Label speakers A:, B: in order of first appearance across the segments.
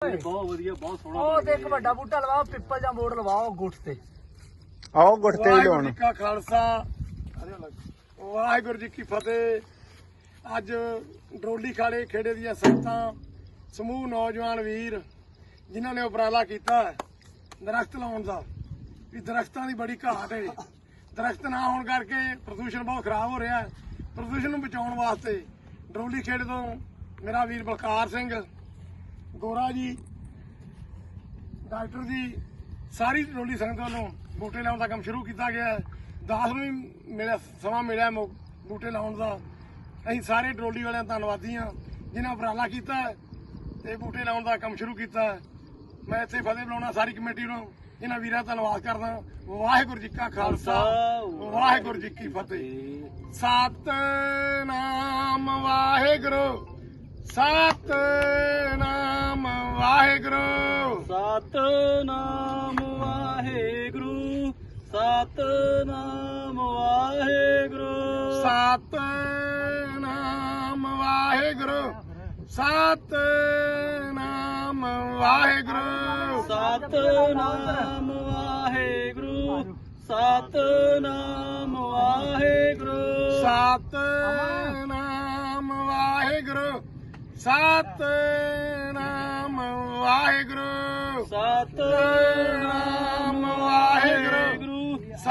A: ਬਹੁਤ ਵਧੀਆ ਬਹੁਤ ਸੋਹਣਾ
B: ਉਹ ਤੇ ਇੱਕ ਵੱਡਾ ਬੂਟਾ ਲਵਾਓ ਪਿੱਪਲ ਜਾਂ ਬੋਰਡ ਲਵਾਓ ਗੁੱਟ ਤੇ
C: ਆਓ ਗੁੱਟ ਤੇ ਹੀ ਲਾਉਣ।
D: ਵਾਹਿਗੁਰੂ ਜੀ ਕਾ ਖਾਲਸਾ ਵਾਹਿਗੁਰੂ ਜੀ ਕੀ ਫਤਿਹ। ਅੱਜ ਡਰੋਲੀ ਖਾਲੇ ਖੇੜੇ ਦੀਆਂ ਸੰਗਤਾਂ ਸਮੂਹ ਨੌਜਵਾਨ ਵੀਰ ਜਿਨ੍ਹਾਂ ਨੇ ਉਪਰਾਲਾ ਕੀਤਾ ਦਰਖਤ ਲਾਉਣ ਦਾ ਵੀ ਦਰਖਤਾਂ ਦੀ ਬੜੀ ਘਾਟ ਹੈ। ਦਰਖਤ ਨਾ ਹੋਣ ਕਰਕੇ ਪ੍ਰਦੂਸ਼ਣ ਬਹੁਤ ਖਰਾਬ ਹੋ ਰਿਹਾ ਹੈ। ਪ੍ਰਦੂਸ਼ਣ ਨੂੰ ਬਚਾਉਣ ਵਾਸਤੇ ਡਰੋਲੀ ਖੇੜੇ ਤੋਂ ਮੇਰਾ ਵੀਰ ਬਲਕਾਰ ਸਿੰਘ ਗੋਰਾ ਜੀ ਡਾਕਟਰ ਜੀ ਸਾਰੀ ਡਰੋਲੀ ਸੰਗਤ ਵੱਲੋਂ ਬੂਟੇ ਲਾਉਣ ਦਾ ਕੰਮ ਸ਼ੁਰੂ ਕੀਤਾ ਗਿਆ ਹੈ। 10 ਨੂੰ ਵੀ ਮਿਲਿਆ ਸਮਾਂ ਮਿਲਿਆ ਬੂਟੇ ਲਾਉਣ ਦਾ। ਅਸੀਂ ਸਾਰੇ ਡਰੋਲੀ ਵਾਲਿਆਂ ਦਾ ਧੰਨਵਾਦੀ ਹਾਂ ਜਿਨ੍ਹਾਂ ਉਪਰਾਲਾ ਕੀਤਾ ਹੈ ਤੇ ਬੂਟੇ ਲਾਉਣ ਦਾ ਕੰਮ ਸ਼ੁਰੂ ਕੀਤਾ ਹੈ। ਮੈਂ ਇੱਥੇ ਫਤਿਹ ਬੁਲਾਉਣਾ ਸਾਰੀ ਕਮੇਟੀ ਨੂੰ ਇਹਨਾਂ ਵੀਰਾਂ ਦਾ ਧੰਨਵਾਦ ਕਰਦਾ। ਵਾਹਿਗੁਰੂ ਜੀ ਕਾ ਖਾਲਸਾ ਵਾਹਿਗੁਰੂ ਜੀ ਕੀ ਫਤਿਹ। ਸਤਿਨਾਮ ਵਾਹਿਗੁਰੂ ਸਤਿਨਾਮ ਵਾਹਿਗੁਰੂ
A: ਸਤਨਾਮ ਵਾਹਿਗੁਰੂ ਸਤਨਾਮ ਵਾਹਿਗੁਰੂ
D: ਸਤਿਨਾਮ ਵਾਹਿਗੁਰੂ ਸਤਿਨਾਮ ਵਾਹਿਗੁਰੂ
A: ਸਤਨਾਮ ਵਾਹਿਗੁਰੂ ਸਤਨਾਮ ਵਾਹਿਗੁਰੂ
D: ਸਤਿਨਾਮ ਵਾਹਿਗੁਰੂ ਸਤਿਨਾਮ ਵਾਹਿਗੁਰੂ
A: ਸਤਨਾਮ
D: ਵਾਹਿਗੁਰੂ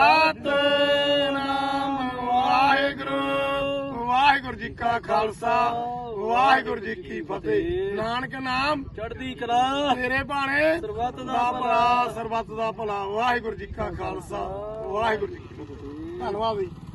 D: ਸਤਿਨਾਮ ਵਾਹਿਗੁਰੂ। ਵਾਹਿਗੁਰੂ ਜੀ ਕਾ ਖਾਲਸਾ ਵਾਹਿਗੁਰੂ ਜੀ ਕੀ ਫਤਿਹ। ਨਾਨਕ ਨਾਮ
A: ਚੜ੍ਹਦੀ ਕਲਾ
D: ਤੇਰੇ ਬਾਣੇ
A: ਸਰਬੱਤ ਦਾ
D: ਦਾ ਭਲਾ ਸਰਬੱਤ ਦਾ ਭਲਾ। ਵਾਹਿਗੁਰੂ ਜੀ ਕਾ ਖਾਲਸਾ ਵਾਹਿਗੁਰੂ ਜੀ ਕੀ ਫਤਿਹ। ਧੰਨਵਾਦ ਜੀ।